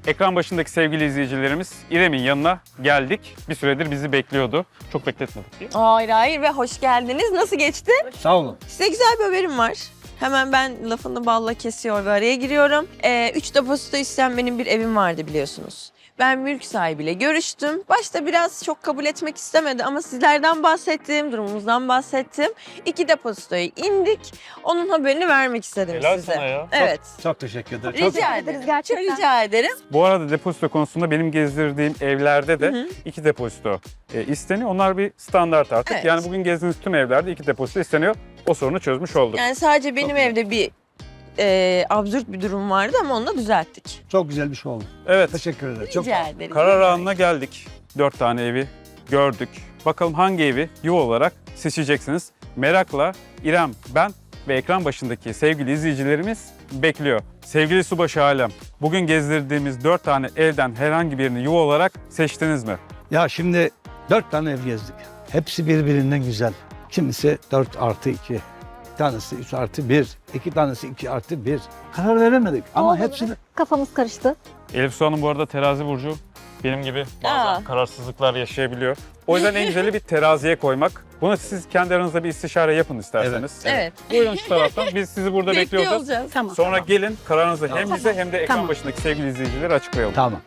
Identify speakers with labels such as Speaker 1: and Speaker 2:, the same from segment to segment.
Speaker 1: Ekran başındaki sevgili izleyicilerimiz İrem'in yanına geldik. Bir süredir bizi bekliyordu. Çok bekletmedik değil mi?
Speaker 2: Hayır ve hoş geldiniz. Nasıl geçti?
Speaker 3: Sağ olun.
Speaker 2: Size güzel bir haberim var. Hemen ben lafını balla kesiyor ve araya giriyorum. 3 depozito isteyen benim bir evim vardı biliyorsunuz. Ben mülk sahibiyle görüştüm. Başta biraz çok kabul etmek istemedi ama sizlerden bahsettim, durumumuzdan bahsettim. 2 depozitoya indik. Onun haberini vermek istedim
Speaker 1: Helal
Speaker 2: size.
Speaker 1: sana ya.
Speaker 2: Evet.
Speaker 3: Çok teşekkür ederim.
Speaker 2: Rica ederiz.
Speaker 4: gerçekten.
Speaker 2: Rica ederim.
Speaker 1: Bu arada depozito konusunda benim gezdirdiğim evlerde de 2 depozito isteniyor. Onlar bir standart artık.
Speaker 2: Evet.
Speaker 1: Yani bugün gezdiğiniz tüm evlerde 2 depozito isteniyor. O sorunu çözmüş olduk.
Speaker 2: Yani sadece benim evde bir absürt bir durum vardı ama onu da düzelttik.
Speaker 3: Çok güzel bir şey oldu.
Speaker 1: Evet.
Speaker 3: Teşekkür ederim. Çok
Speaker 2: Rica ederim.
Speaker 1: Karar anına geldik. 4 tane evi gördük. Bakalım hangi evi yuva olarak seçeceksiniz? Merakla İrem, ben ve ekran başındaki sevgili izleyicilerimiz bekliyor. Sevgili Subaşı Alem, bugün gezdirdiğimiz 4 tane evden herhangi birini yuva olarak seçtiniz mi?
Speaker 3: Ya şimdi 4 tane ev gezdik. Hepsi birbirinden güzel. Kimisi 4+2. Bir tanesi 3+1. 2 tanesi 2+1. Karar veremedik ama
Speaker 4: Olmadı.
Speaker 3: hepsini...
Speaker 4: Kafamız karıştı.
Speaker 1: Elif Su Hanım bu arada terazi burcu. Benim gibi bazen kararsızlıklar yaşayabiliyor. O yüzden en güzeli bir teraziye koymak. Bunu siz kendi aranızda bir istişare yapın isterseniz.
Speaker 2: Evet.
Speaker 1: Buyurun şu taraftan. Biz sizi burada
Speaker 2: Bekliyor
Speaker 1: bekliyoruz.
Speaker 2: olacağız.
Speaker 4: Tamam.
Speaker 1: Sonra gelin kararınızı hem bize hem de ekran
Speaker 4: Tamam.
Speaker 1: başındaki sevgili izleyicileri açıklayalım.
Speaker 3: Tamam.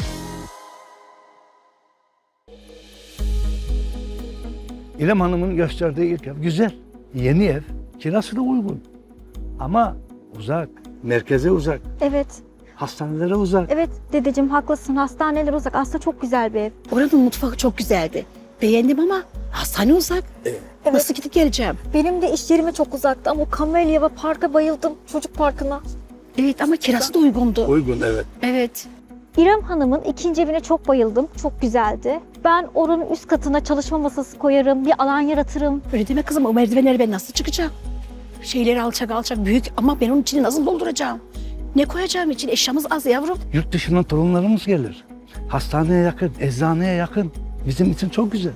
Speaker 3: İrem Hanım'ın gösterdiği ilk ev güzel. Yeni ev. Kirası da uygun. Ama uzak. Merkeze uzak.
Speaker 4: Evet,
Speaker 3: Hastanelere uzak.
Speaker 4: evet dedeciğim haklısın. Hastaneler uzak. Aslında çok güzel bir ev.
Speaker 5: Oranın mutfağı çok güzeldi. Beğendim ama hastane uzak. Nasıl gidip geleceğim?
Speaker 4: Benim de iş yerime çok uzaktı ama o Kamelya ve parka bayıldım. Çocuk parkına.
Speaker 5: Evet ama kirası da uygundu.
Speaker 3: Uygun evet.
Speaker 5: Evet.
Speaker 4: İrem Hanım'ın ikinci evine çok bayıldım. Çok güzeldi. Ben oranın üst katına çalışma masası koyarım. Bir alan yaratırım.
Speaker 5: Öyle deme kızım, o merdivenleri ben nasıl çıkacağım? Şeyleri alçak büyük ama ben onun içini nasıl dolduracağım? Ne koyacağım için? Eşyamız az yavrum.
Speaker 3: Yurt dışından torunlarımız gelir. Hastaneye yakın, eczaneye yakın. Bizim için çok güzel.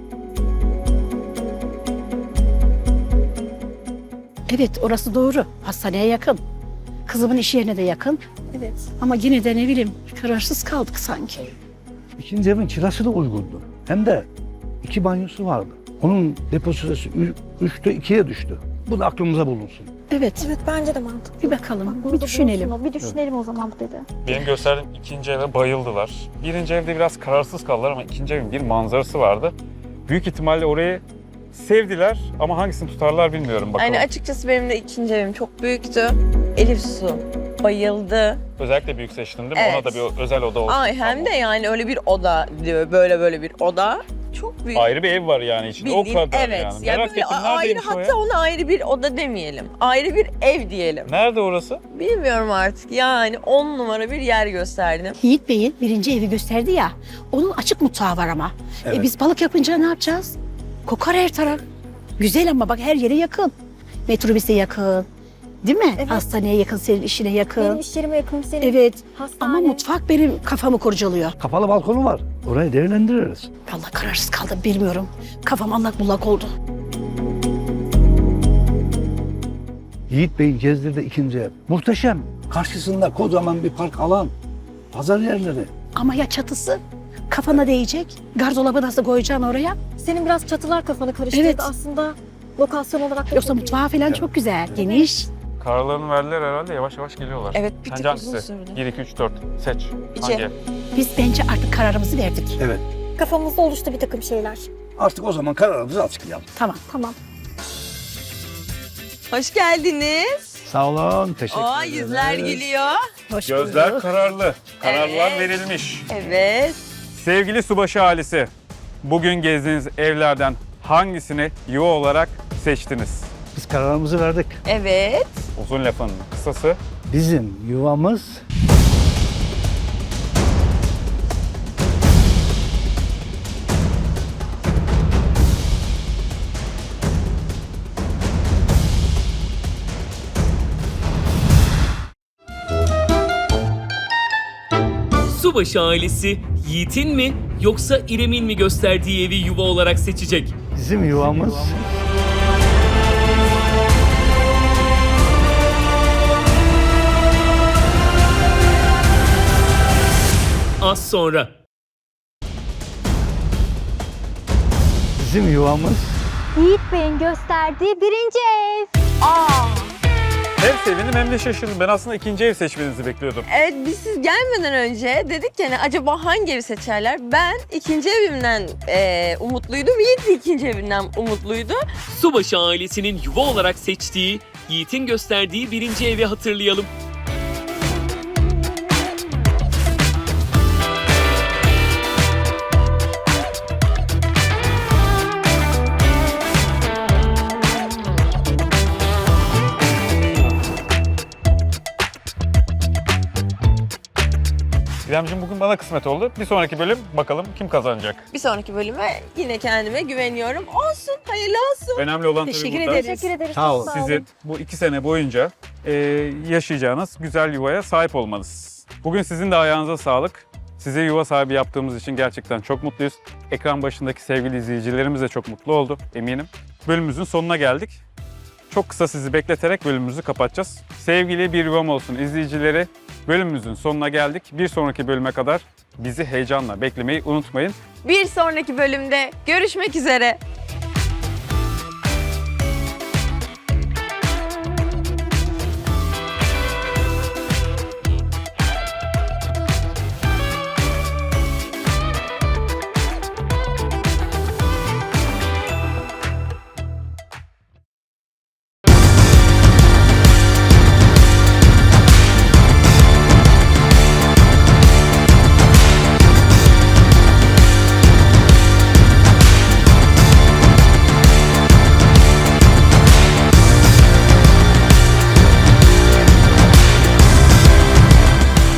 Speaker 5: Evet, orası doğru. Hastaneye yakın. Kızımın iş yerine de yakın.
Speaker 4: Evet.
Speaker 5: Ama yine de ne bileyim, kararsız kaldık sanki.
Speaker 3: İkinci evin kirası da uygundu. Hem de 2 banyosu vardı. Onun depozitosu 3'te 2'ye düştü. Bu da aklımıza bulunsun.
Speaker 5: Evet,
Speaker 4: Evet bence de mantıklı.
Speaker 5: bir bakalım,
Speaker 4: Burada
Speaker 5: bir düşünelim.
Speaker 4: bulunsun o. Bir düşünelim o zaman bu dedi.
Speaker 1: Benim gösterdiğim ikinci eve bayıldılar. Birinci evde biraz kararsız kaldılar ama ikinci evin bir manzarası vardı. Büyük ihtimalle orayı sevdiler ama hangisini tutarlar bilmiyorum bakalım.
Speaker 2: Yani açıkçası benim de ikinci evim çok büyüktü. Elif Su bayıldı.
Speaker 1: Özellikle büyük seçtim değil mi?
Speaker 2: Evet.
Speaker 1: Ona da bir özel oda olsun.
Speaker 2: Ay hem de yani öyle bir oda diyor, böyle bir oda. Çok büyük.
Speaker 1: Ayrı bir ev var yani içinde. O
Speaker 2: Bildiğin,
Speaker 1: kadar
Speaker 2: evet.
Speaker 1: yani.
Speaker 2: Ya
Speaker 1: Merak
Speaker 2: böyle
Speaker 1: ettim
Speaker 2: ayrı,
Speaker 1: neredeymiş o ya?
Speaker 2: hatta ona ayrı bir oda demeyelim. Ayrı bir ev diyelim.
Speaker 1: Nerede orası?
Speaker 2: Bilmiyorum artık yani 10 numara bir yer gösterdim.
Speaker 5: Yiğit Bey'in birinci evi gösterdi ya, onun açık mutfağı var ama.
Speaker 3: Evet.
Speaker 5: Biz balık yapınca ne yapacağız? Kokar her taraf. Güzel ama bak her yere yakın. Metrobüse yakın. Değil mi?
Speaker 4: Evet.
Speaker 5: Hastaneye yakın, senin işine yakın.
Speaker 4: Benim iş yerime yakın senin.
Speaker 5: Evet.
Speaker 4: Hastane.
Speaker 5: Ama mutfak benim kafamı kurcalıyor.
Speaker 3: Kapalı balkonu var. Orayı değerlendiririz.
Speaker 5: Vallahi kararsız kaldım, bilmiyorum. Kafam allak bullak oldu.
Speaker 3: Yiğit Bey'in gezdirdiği ikinci ev. Muhteşem. Karşısında kocaman bir park alan. Pazar yerleri.
Speaker 5: Ama ya çatısı? Kafana değecek. Gardolabı nasıl koyacaksın oraya?
Speaker 4: Senin biraz çatılar kafanı karıştırdı
Speaker 5: Evet.
Speaker 4: aslında. Lokasyon olarak da
Speaker 5: Yoksa
Speaker 4: çok iyi.
Speaker 5: mutfağı falan çok güzel, geniş.
Speaker 1: Kararlarını verdiler herhalde yavaş yavaş geliyorlar.
Speaker 2: Evet bir
Speaker 1: Sence
Speaker 2: tık uzun
Speaker 1: hangisi?
Speaker 2: sürdü.
Speaker 1: 1, 2, 3, 4. Seç.
Speaker 2: İki.
Speaker 1: Hangi ev?
Speaker 5: Biz bence artık kararımızı verdik.
Speaker 3: Evet.
Speaker 4: Kafamızda oluştu bir takım şeyler.
Speaker 3: Artık o zaman kararımızı açıklayalım.
Speaker 5: Tamam.
Speaker 4: Tamam.
Speaker 2: Hoş geldiniz.
Speaker 3: Sağ olun. Teşekkür
Speaker 2: Aa
Speaker 3: ederim.
Speaker 2: yüzler gülüyor.
Speaker 5: Hoş
Speaker 1: Gözler
Speaker 5: bulduk.
Speaker 1: kararlı. Kararlar
Speaker 2: Evet.
Speaker 1: verilmiş.
Speaker 2: Evet.
Speaker 1: Sevgili Subaşı ailesi, bugün gezdiğiniz evlerden hangisini yuva olarak seçtiniz?
Speaker 3: Biz kararımızı verdik.
Speaker 2: Evet.
Speaker 1: Uzun lafın kısası.
Speaker 3: Bizim yuvamız
Speaker 6: Subaşı ailesi Yiğit'in mi yoksa İrem'in mi gösterdiği evi yuva olarak seçecek?
Speaker 3: bizim yuvamız
Speaker 6: az sonra.
Speaker 3: Bizim yuvamız
Speaker 4: Yiğit Bey'in gösterdiği birinci ev.
Speaker 1: Hem sevindim hem de şaşırdım. Ben aslında ikinci ev seçmenizi bekliyordum.
Speaker 2: Evet, biz siz gelmeden önce dedik ki hani acaba hangi evi seçerler? Ben ikinci evimden umutluydum. Yiğit de ikinci evinden umutluydu.
Speaker 6: Subaşı ailesinin yuva olarak seçtiği, Yiğit'in gösterdiği birinci evi hatırlayalım.
Speaker 1: İremciğim bugün bana kısmet oldu. Bir sonraki bölüm bakalım kim kazanacak.
Speaker 2: Bir sonraki bölüme yine kendime güveniyorum. Olsun, hayırlı olsun.
Speaker 1: Önemli olan tabii
Speaker 5: Teşekkür
Speaker 1: burada
Speaker 5: ederiz.
Speaker 4: Teşekkür ederiz.
Speaker 3: Sağ
Speaker 4: çok
Speaker 3: olun.
Speaker 1: sizin bu 2 sene boyunca yaşayacağınız güzel yuvaya sahip olmanız. Bugün sizin de ayağınıza sağlık. Size yuva sahibi yaptığımız için gerçekten çok mutluyuz. Ekran başındaki sevgili izleyicilerimiz de çok mutlu oldu eminim. Bölümümüzün sonuna geldik. Çok kısa sizi bekleterek bölümümüzü kapatacağız. Sevgili Bir Yuvam Olsun izleyicileri, bölümümüzün sonuna geldik. Bir sonraki bölüme kadar bizi heyecanla beklemeyi unutmayın.
Speaker 2: Bir sonraki bölümde görüşmek üzere.